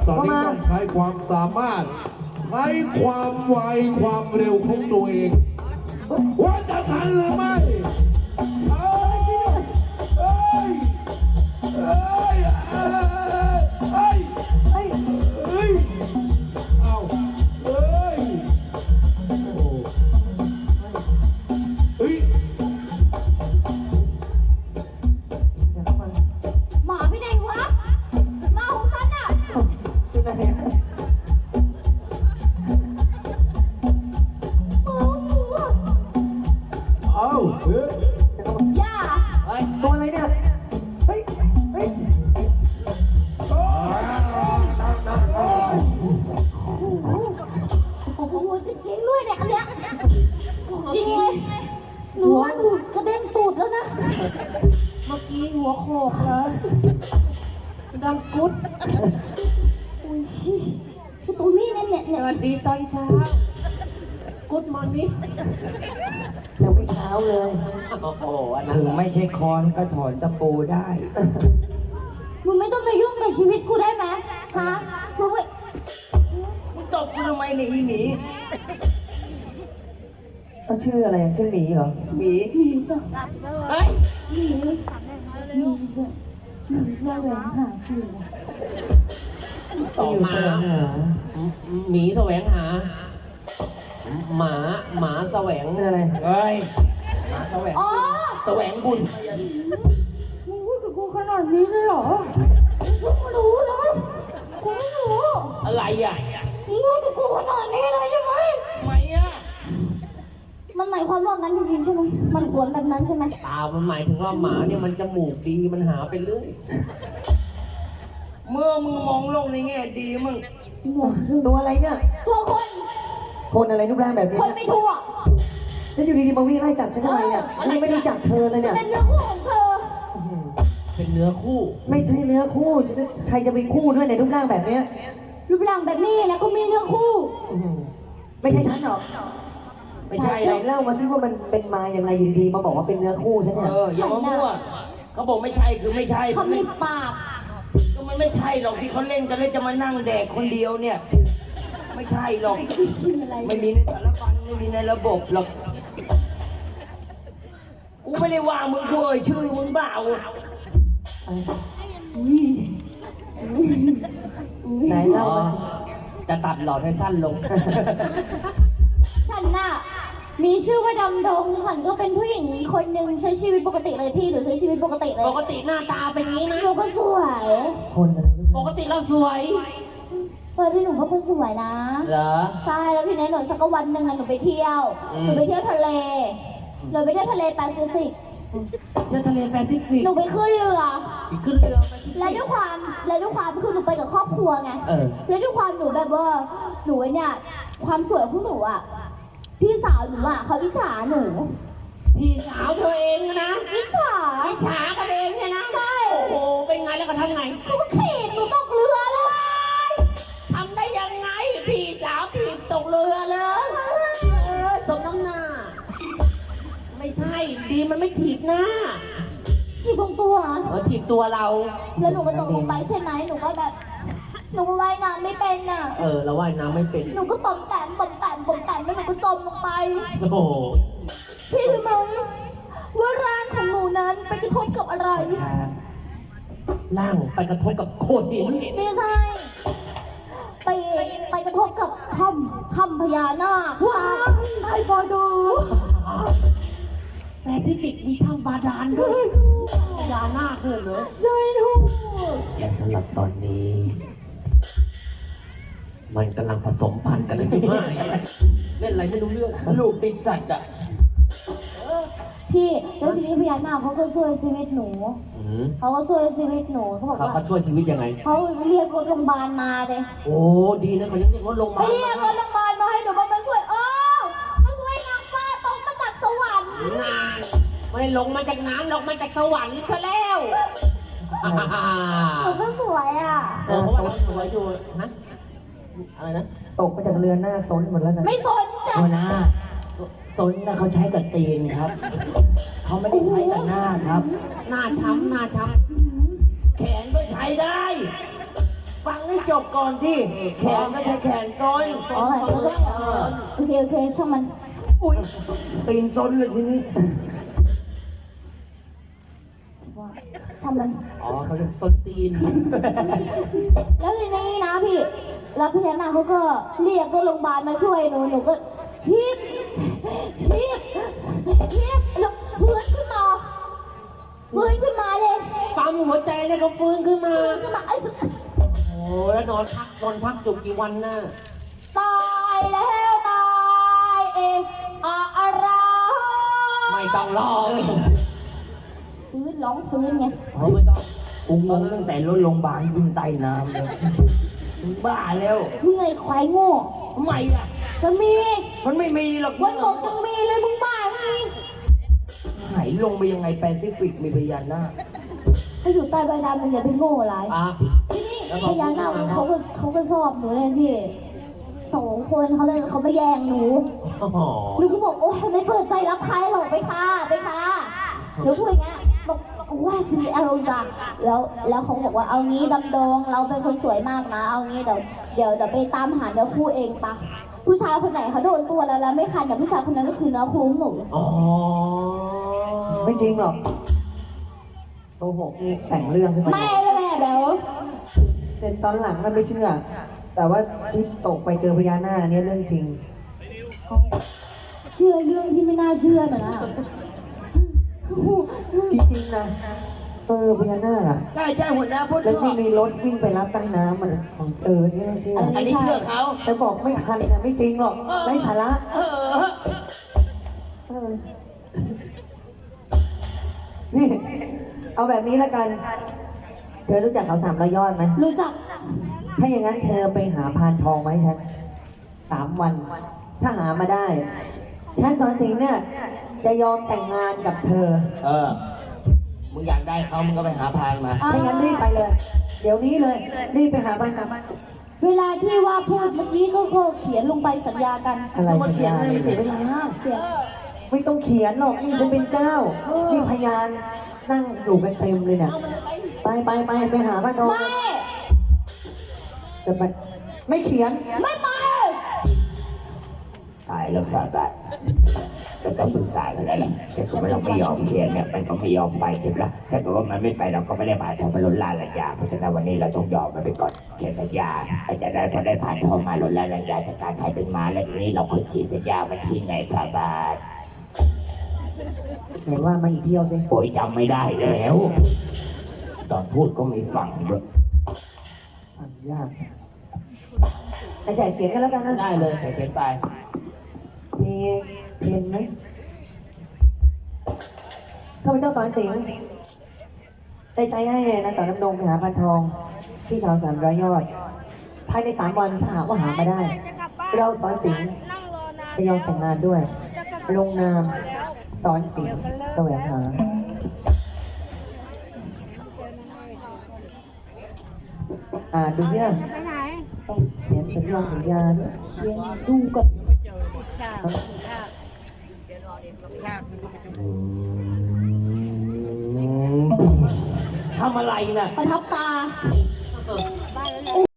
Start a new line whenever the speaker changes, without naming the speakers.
ตอนนี้ต้องใช้ความสามารถใช้ความไวความเร็วของตัวเองว่าจะทันหรือไม่เอ้ยเอ้ยเอ้ยเอ้ยเอ้ยเอ้ยเอาเอ้ยโอ้เฮ้ย
หมาไปไหนวะหมาของฉันอ่ะ
เป็นไงอะ
เอาเฮ้ย
อย่า
ตัวอะไรเนี่ย เฮ้ย เฮ้ย
โอ้โหจริงๆด้วยเนี่ยอันเนี้ยจริงเลยหนูว่าหนูกระเด็นตูดแล้วนะ
เมื่อกี้หัวโขกเลยดังกุ๊ด
อุ้ยคือตรงนี้เนี่ย
สวัสดีตอนเช้า กุ๊ดมอร์นิ่ง
ยังไม่เช้าเลย
โอ้โหอันนั้น
ถึงไม่ใช่คอนก็ถอนตะปูได้
มึงไม่ต้องไปยุ่งกับชีวิตกูได้ไหมฮะมึงไป
มึงตบกูทำไมเนี่ยอีหมี
เขาชื่ออะไรอะชื่อหมีเหรอ
หมี
หนีซะ
เฮ้ย
หนีซะแหวงหาฟืน
ต่อมา
อยู่แสวงหา
หมีแสวงหา หมาแสวง
เป็นอะไร
เฮ้ย
หมาแสวง
อ๋อ
แสวงบุญ
มึงพูดกับกูขนาดนี้เลยเหรอกูไม่รู้นะกูไม่รู้
อะไรอ่ะ
มึงพูดกับกูขนาดนี้เลยใช่ไหม
ทำไมอ่ะ
มันหมายความว่างั้นจริงๆใช่ไหมมันควรแบบนั้นใช่ไหม
ตามันหมายถึงว่าหมาเนี่ยมันจมูกดีมันหาไปเรื่อย
เมื่อมึงมองโลกในแง่ดีมึง
ตัวอะไรเนี่ย
ตัวคน
คนอะไรรูปร่างแบบนี้
คนไม่ทั่ว
แล้วอยู่ดีๆมาวิ่งไล่จับฉันทำไมเนี่ยฉันยังไม่รู้จักเธอเลยเนี่ย
เป็นเรื่องคู่ของเธอ
เป็นเนื้อคู่
ไม่ใช่เนื้อคู่ฉันจะใครจะไปคู่ด้วยในรูปร่างแบบเนี้ย
รูปร่างแบบนี้แล้วก็มีเรื่องคู่
อื้อหือไม่ใช่ฉันหรอก
ไม่ใช่
ไห
ห
น
รอก
เล่ามาสิว่ามันเป็นมาอย่างไรอยู่ดีๆมาบอกว่าเป็นเนื้อคู่ฉันเนี่ย
อย่ามามั่วเขาบอกไม่ใช่คือไม่ใช่
เขามีปาก
ก็มันไม่ใช่หรอกที่เขาเล่นกันแล้วจะมานั่งแดกคนเดียวเนี่ย ไม่ใช่หรอก
กินอะไร
ไม่มีในสารพันไม่มีในระบบหรอก กูไม่ได้ว่ามึงกูเอ่ยชื่อมึงเปล่า
ไหนเล่า
อ๋อ
มา
จะตัดหลอดให้สั้นลง
ฉันน่ะมีชื่อว่าดำดงฉันก็เป็นผู้หญิงคนหนึ่งใช้ชีวิตปกติเลยพี่หนูใช้ชีวิตปกติเลย
ปกติหน้าตาเป็นงี้ไหม
หนูก็สวย
คนอะไรรูป
ป
ร่าง
กติเราสวย
เออที่หนูก็เป็นสวยนะ
เหรอ
ใช่แล้วทีนี้หนูสักวันหนึ่งอะหนูไปเที่ยว
อืม
หนูไปเที่ยวทะเลหนูไปเที่ยวทะเลแปซิฟิก
เที่ยวทะเลแปซิฟิก
หนูไปขึ้นเรือ
อีกขึ้นเรือไปที่
และด้วยความคือหนูไปกับครอบครัวไง
เออ
แล้วด้วยความหนูแบบว่าหนูเนี่ยความสวยของหนูอ่ะพี่สาวหนูอ่ะเขาอิจฉาหนู
พี่สาวเธอเองนะ
อิจฉา
อิจฉากันเองเนี่ยนะ
ใช่
โอ้โห เป็นไงแล้วก็ทำไง
เขาก็ขีดหนูตกเรือเลย
ทำได้ยังไง พี่สาวถีบตกเรือเลยสมน้ำหน้า ไม่ใช่ ดีมันไม่ถีบหน้า
ขีดตรงตัว
ถีบตัวเรา
แล้วหนูก็ตกลงไปใช่ไหมหนูก็แบบหนูก็ว่ายน้ำไม่เป็นอ่ะ
เราว่ายน้ำไม่เป็น
หนูก็ปอมแปมแล้วหนูก็จมลงไป
โอ้โห
พี่รู้ไหมว่าร่างของหนูนั้นไปกระทบกับอะไร
ล่างไปกระทบกับโขดหิน
ไม่ใช่ ไปกระทบกับถ้ำพญานาคใต้บอดู
แปซิฟิกมีถ้ำบาดาลด้วยพญานาคเลยเหรอ
ใช่ทุก
และสำหรับตอนนี้ มันกำลังผสมพันธุ์กันเลยที่มากเล่นอะไรไม่รู้เรื่อง
ลูกติดสัตว์อ่ะ
พี่แล้วทีนี้พญานาคเขาก็ช่วยชีวิตหนู
อืม
เขาก็ช่วยชีวิตหนูเขาบอกว่า
เขาช่วยชีวิตยังไง
เขาเรียกรถโรงพยาบาลมาเลย
โอ้ ดีนะเขายังเรียกรถลง
ไป
มา
เรียกรถโรงพยาบาลมาให้หนูมาช่วยมาช่วยนางฟ้าตกมาจากสวรรค์
นานไม่ได้ลงมาจากน้ำลงมาจากสวรรค์ซะแล้ว
หนูก็สวยอ่ะ
เพราะว่าเราสวยอยู่นะอะไรนะ
ตกมาจากเรือหน้าซนหมดแล้วนะ
ไม่สนจ้ะ
หัวหน้าสนนะเขาใช้กับตีนครับ เขาไม่ได้ใช้กับหน้าครับ
หน้าช้ำ
แขนก็ใช้ได้
เ
ฟังให้จบก่อนที่แขนก็ใช้แขนซ้อน
อ๋อแล้วก็โอเคช่างมัน
อุ้ยตีนซ้อนเลยทีนี้
ช่างมัน
อ๋อเขาเรียกส้นตีน
แล้วทีนี้นะพี่ แล้วพญานาคเขาก็เรียกรถโรงพยาบาลมาช่วยหนูก็ฮิปแล้วฟื้นขึ้นมาเลย
ปั๊มหัวใจแล้วก็ฟื้นขึ้นมา
ไอ้สุด
โอ้แล้วนอนพักจุกกี่วันน่ะ
ตายแล้วตายอะไร
ไม่ต้องรอ
ร้องฟื้นไง
ไม่ต้อง
กูงงตั้งแต่รถโรงพยาบาลวิ่งใต้น้ำเลยมึงบ้าแล้ว
มึงไงควายโง่
ทำไมล่ะ
จะมี
มันไม่มีหรอก
วันบอกต้องมีเลยมึงบ้าไง
หายลงไปยังไงแปซิฟิกมีพญานาค
ถ้าอยู่ใต้ใบดำมึงอย่าไปโง่ไร
อ่ะ
ที่นี่พญานาคเขาก็ชอบหนูเลยพี่2 คนเขาไม่แย่งหนู
โอ้โห
หนูก็บอกโอ้ไม่เปิดใจรับใครหรอกไปค่ะหนูพูดอย่างเงี้ยบอกว่าสิอารมณ์จ้ะแล้วเขาบอกว่าเอางี้ดำดงเราเป็นคนสวยมากนะเอางี้เดี๋ยวไปตามหาเนื้อคู่เองปะผู้ชายคนไหนเขาโดนตัวแล้วไม่คันอย่างผู้ชายคนนั้นก็คือเนื้อคู่ของหนู
อ๋อ
ไม่จริงหรอกโกหกนี่แต่งเรื่องขึ้นมา
ไม่เลยเดี๋ยว
แต่ตอนหลังมันไม่เชื่อ แต่ว่าที่ตกไปเจอพญานาคเนี่ยเรื่องจริง
เชื่อเรื่องที่ไม่น่าเชื่อนะ
จริงๆนะพญานาคอะ
ใช่หัวหน้าพูด
แล้ว
ถู
ที่
ก
มีรถวิ่งไปรับใต้น้ำมันของนี่น่าเชื่อ
อันนี้เชื่อเขา
แต่บอกไม่คันนะไม่จริงหรอกไร้สาระ
เออ
เออนี่ เอาแบบนี้ละกัน เธอรู้จักเขา300 ยอดไหม
รู้จัก
ถ้าอย่างนั้นเธอไปหาพานทองมาให้ฉัน3 วัน ถ้าหามาได้ ฉันสอนสิงห์เนี่ย จะยอมแต่งงานกับเธอ
มึงอยากได้เขามึงก็ไปหาพานมา
ถ้างั้นรีบไปเลย เดี๋ยวนี้เลย รีบไปหาพานทอง
เวลาที่ว่าพูดเมื่อกี้ก็เขียนลงไปสัญญากัน
อะไร
ต้องมา
สัญ
เขียน
ญา
อะไรไม่เสียเวลา
เขียน
ไม่ต้องเขียนหรอกนี่ฉันเป็นเจ้า นี่พยานนั่งอยู่กันเต็มเลยเนี่ยไปหาพานทอง
ไม่
จะไปไม่เขียน
ไม่ไป
ตายแล้วสาบานก็ต้องปรึกษากันแล้วแหละแต่ก็เราไม่ยอมเขียนเนี่ยมันก็ไม่ยอมไปเก็บละถ้าเกิดว่ามันไม่ไปเราก็ไม่ได้ผ่านทองมาล้นลานลัญญาเพราะฉะนั้นวันนี้เราต้องยอมมันไปก่อนเขียนสัญญาอาจจะได้พอได้ผ่านทองมาล้นลานลัญญาจากการถ่ายเป็นม้าแล้วทีนี้เราค่อยฉีดสัญญามาที่ไหนสาบาน
เห็นว่ามาอีกเที่ยวสิ
โอ้ยจำไม่ได้แล้ว ตอนพูดก็ไม่ฟังด้วย
ฟังยากไอ้ชายเขียนกันแล้วกันนะ
ได้เลยเขียนไป
มีเพนไหมข้าพเจ้าสอนสิงห์ได้ใช้ให้นางสาวน้ำดงไปหาพานทอง ที่เขา300 ยอด ภายใน3 วันถ้าหากว่าหามาได้ เราสอนสิงห์จะยอมแต่งงานด้วย ลงนามสอนสิงห์แสวงหา ดูเนี่ยต้องเขียนสัญญาด้วย
เขียนดูก่อน
ทำอะไรน่ะ
ประทับตา